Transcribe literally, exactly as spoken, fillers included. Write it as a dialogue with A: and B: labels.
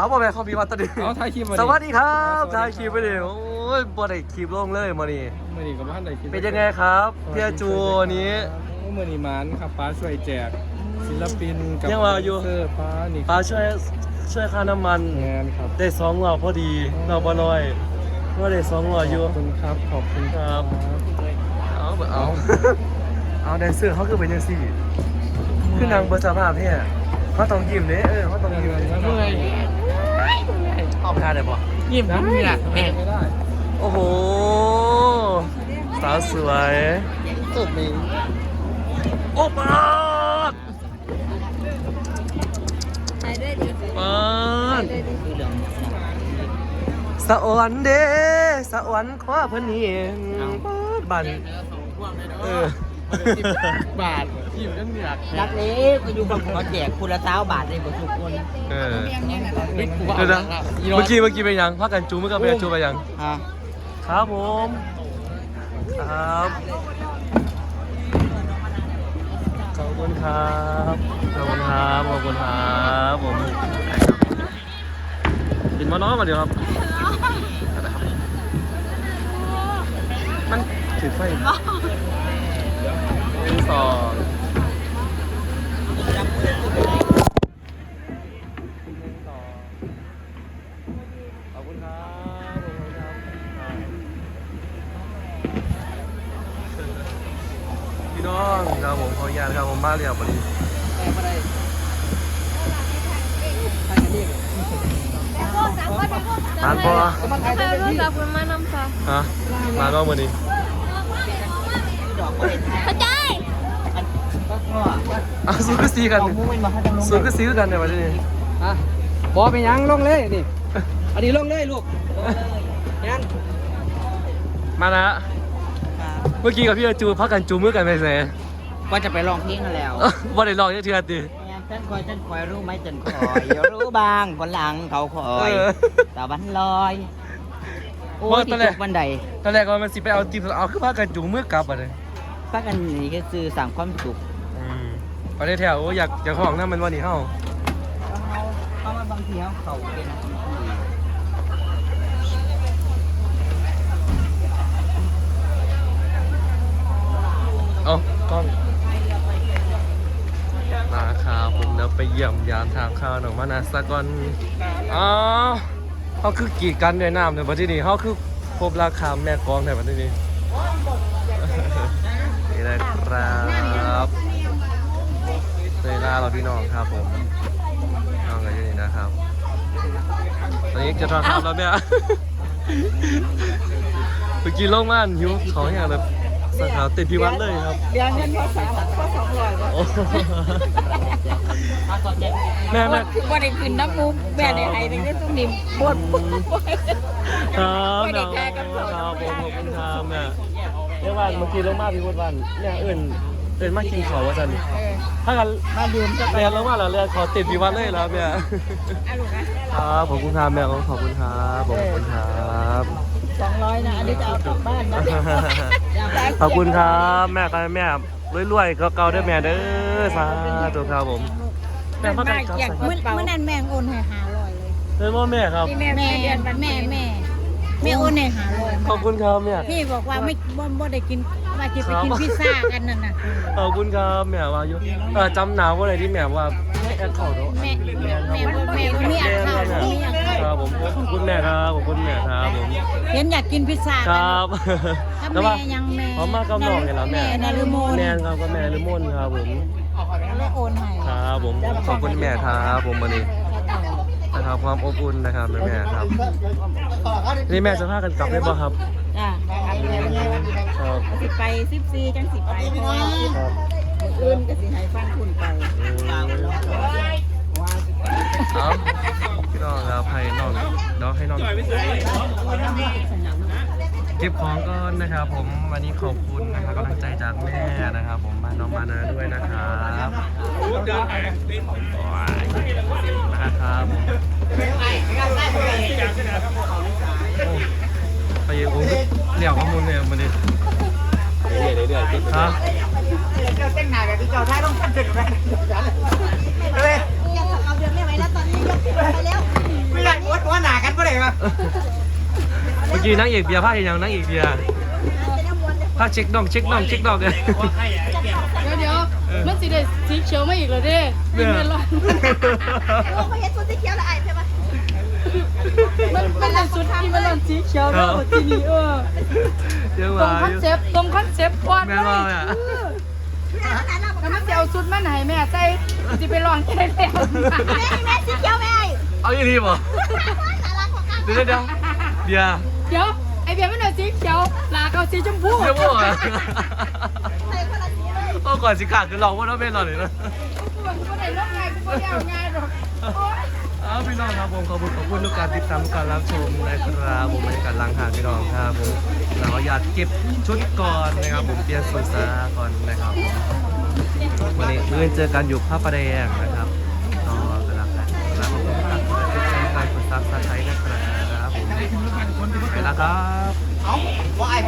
A: บ่แม่เขามีวันตอนนี้
B: เอาถ่ายคลิปมาดิ
A: สวัสดีครับถ่ายคลิปไปดิโอ้ยบ่ได้คลิปลงเลยมื้อนี้
B: มื่อนี้กับบ้านไหนคิด
A: เป็นยังไงครับพี่อาจูนี้
B: มื่อนี้มันครับป้าช่วยแจกศิลปินกับ
A: ยังว่าอยู่
B: เซอร์ป้านี่
A: ป้าช่วยช่วยค่าน้ำมัน
B: งานครับ
A: ได้สองหลอดพอดีเราบ่น้อยก็ได้สองหลอดอยู่
B: ขอบคุณครับขอบคุณครับ
A: เอาเบเอา เอาแดนเซอร์เขาคือเป็นยังสี่คือนางเบอร์สภาพเนี่ยเขาต้องยิ้มเด้เออเขาต้องยิ้ม
B: เมื่อย
A: เอาพาได้ปะ
B: ยิ้มนะนี่แหละไม่ได้
A: โอ้โหสาวสวย
B: สุดนี้
A: โอ้ปาด
C: ใช้ด้วยดิ
A: ปาด
C: ด้วยดิ
A: สะออนเด้สะออนขวาเพิ่นเห็นปาดบันเออบ
B: าทยิ้มกันเหนือก
D: รักเล็กไปอยู่บางขอแจกคุณละเท้าบาทเลยหมดทุกคน
A: เออ
B: เฮ้ยกูว่า
A: เดี๋ยวนะเมื่อกี้เมื่อกี้เป็นยังพักกันจูเมื่อกี้เป็นจูไปยัง
D: อ่ะ
A: ครับผมครับขอบคุณครับขอบคุณครับขอบคุณครับผมกินมาน้อยมาเดี๋ยวครับมันถือไฟหนึ่งสองขอบคุณครับขอบคุณครับพี่น้องครับผมขออนุญาตครับผมมาเรียบร้อย
D: แต่ไม่ได้ใครกันดิ
A: ทานพอ
C: ใครรู้จักคุณมานำค่ะ
A: ฮะมาก็วันนี้
D: ดอกไม่ได้
C: เข้าใจ
D: ก็พ่อ
A: อ้าวสู้ก็ซีกัน
D: เอามุ้งเป็นมาให้ทำลง
A: สู้ก็ซีกันเนี่ยวันนี้
B: ฮะบอไปยังลงเลยนี่อันนี้ลงเลยลูกงั้น
A: มานะเมื่อกี้กับพี่อาจูพักกันจูมือกันไปเซ่
D: ก็จะไปลองเพลงกันแล้ว
A: ว่าได้ลองยังเทือนดิ
D: ฉันคอยฉันคอยรู้ไหมฉันคอยรู้บางคนหลังเขาคอยตะวันลอยโอ้ยที่ตกบันได
A: ตอนแรกว่ามันสิไปเอาตีเอาคือพักกันจูมือกลับอ่ะเลย
D: พักกันนี่ก็คือสั่งความสุข
A: อืมประเทศแถวอยากอยากของนั่นมันวันนี้เฮ้า
D: เขาเขามาบางทีเขาเขาเป็น
A: เอากล้องมาครับผมเดี๋ยวไปเยี่ยมยามทางข้าวหนองมานาสกอนอ๋อเขาคือกีดกันด้วยน้ำในประเทศนี้เขาคือพบราคาแม่กองในประเทศนี้ นี่นะครับเตยล่าเราพี่น้องครับผมน้องกันอยู่นี่นะครับตอนนี้จะทอดครับแล้วเนี่ย เมื่อกี้ลงม่านหิวของอย่างแบบสาขาติดพิวัตรเลยครับ
D: เดี๋ยวเงินภาษาก็สองร้อย
A: โอ้แม่แม่
C: คือว่าได้ขึ้นน้ำมูกแม่ในไทยตั้งแต่ต้องนิ่มปวดปวด
A: ครับน้องครับผมขอบคุณครับแม่เรียกว่าเมื่อกี้ลงมาพี่พุทธวันเนี่ยเอื่นเอื่นมากินข้าวว่าจันถ้ากัน
D: มาดื่มจะไป
A: เรียนลงมาแล้วเรียนขอติดพิวัตรเลยแล้วแม่ครับขอบคุณครับแม่ขอบคุณครับขอบคุณครับ
D: สองร้อยนะอันนี้จะเอากลับบ้านนะ
A: ขอบคุณครับแม่ครับแม่รวยๆเก่าๆด้วยแม่เด้อสาธุครับผมแม่พักกันครับ
C: เมื่อเมื่อนั้นแม่โอนให้หาร้อยเลย
A: เป็นว่าแม่ครับ
C: แม่แม่แม่แม่แม่โอนให้หาร้อย
A: ขอบคุณครับแม่
C: พี่บอกว่าไม่บ่บ่ได้กินว่าจะไปกินพิซซ่ากันนั่นน่ะ
A: ขอบคุณครับแม่ว่าอยู่เออจำหนาวว่าอะไรที่แม่ว่าไม่แอดเข้าเนาะ
C: แม่แม่แม่แม่มีอันข้าวมีอันข้าว
A: ครับผมขอบคุณแม่ครับขอบคุณแม่ครับผม
C: เห็นอยากกินพิซซ่า
A: ค
C: กัน
A: รับ
C: ถ้าแม่ยังแม่
A: พร้อมมากกับน้องเห็นแล้วแม่
C: แม่นารุโมน
A: แม่ครับก็แม่ลืมนครับผม
C: แล้วโอนให้
A: ครับผมขอบคุณแม่ครับผมวันนี้นะครับความอบอุ่นนะครับแม่แม่ครับนี่แม่จะพากันกลับได้ป่ะครับ
C: จ้า
A: ครับ
C: สิไปสิบสี่จังสิไปพอ
A: ครับ
C: อื่นก็สิให้ฟังคุณไป
A: เอาพี่น้องครับให้น้องน้องให้น้องเก็บของก่อนนะครับผมวันนี้ขอบคุณนะครับกำลังใจจากแม่นะครับผมมาน้องมานาด้วยนะครับนะครับผมไปยังผมเหลี่ยวข้อมูลเนี่ยมันดิเรื่อยๆเรื่อยๆครับ
D: เจ้าเต้นหนาแบบที่เจ้าท้ายต้องทำเสร็จแล้วเลย
C: เอาเดือนไม่ไหวแล้วตอนนี้ยกไปแล้ว
D: ไม่
A: กี้นั่งเอกเบียร์ผ้าเห็นยังนั่งเอกเบียร์ผ้าเช็คน่องเช็คน่องเช็คน่องเลย
E: เดี๋ยวเดี๋ยวมันสิได้สีเขียวมาอีกแล้วเด้
A: เนี่
E: เป็น
A: ย
E: เมลอน
F: โอ้เขาเห็นชุดสีเขียวแล้วไอ้ใช่ปะ
E: มันมันเป็นชุดที่มันเป็นสีเขียวแล้วทีนี้เออ
A: เดี๋ยว
E: ตรง
A: มา
E: คอนเซปต์ตรงคอนเซปต์ก่อน
A: แม่
E: เล
A: ว่าย อ่ะ
E: แล้วมันจะเอาชุดมาไหนแม่ใส่จะไปลองแค่แล้ว
F: แม่แม่สีเขียวแม่
A: เอาอย่างนี้ป่ะ
F: สาระของข้า
A: เดี๋ยวเดี๋ยวเบียร์
E: เดี๋ยวไอเบียร์ไม่เอาสีเขียวลาเอาสีชมพู
A: เดี๋ยวบอกอ่ะ
F: ใส่คนละสีเลย
A: ก็ก่อนสิขาดคือเราว่าเราเป็นเราเลยนะ
E: กูบอกกูไม่ได้ลงไงกูไม่ได้เอาไงหรอกโอ๊ย
A: อ้าวพี่น้องครับผมขอบคุณขอบคุณทุกการติดตามทุกการรับชมนะครับผมบรรยากาศล้างหางพี่น้องครับผมเราอยากเก็บชุดก่อนนะครับผมเปลี่ยนสุดซาก่อนนะครับผมวันนี้เมื่อเจอกันอยู่พระประแดงนะครับก็กำลังกันแล้วผมก็ตัดสินใจการกดซับสไครต์นะครับผมไปแล้วครับ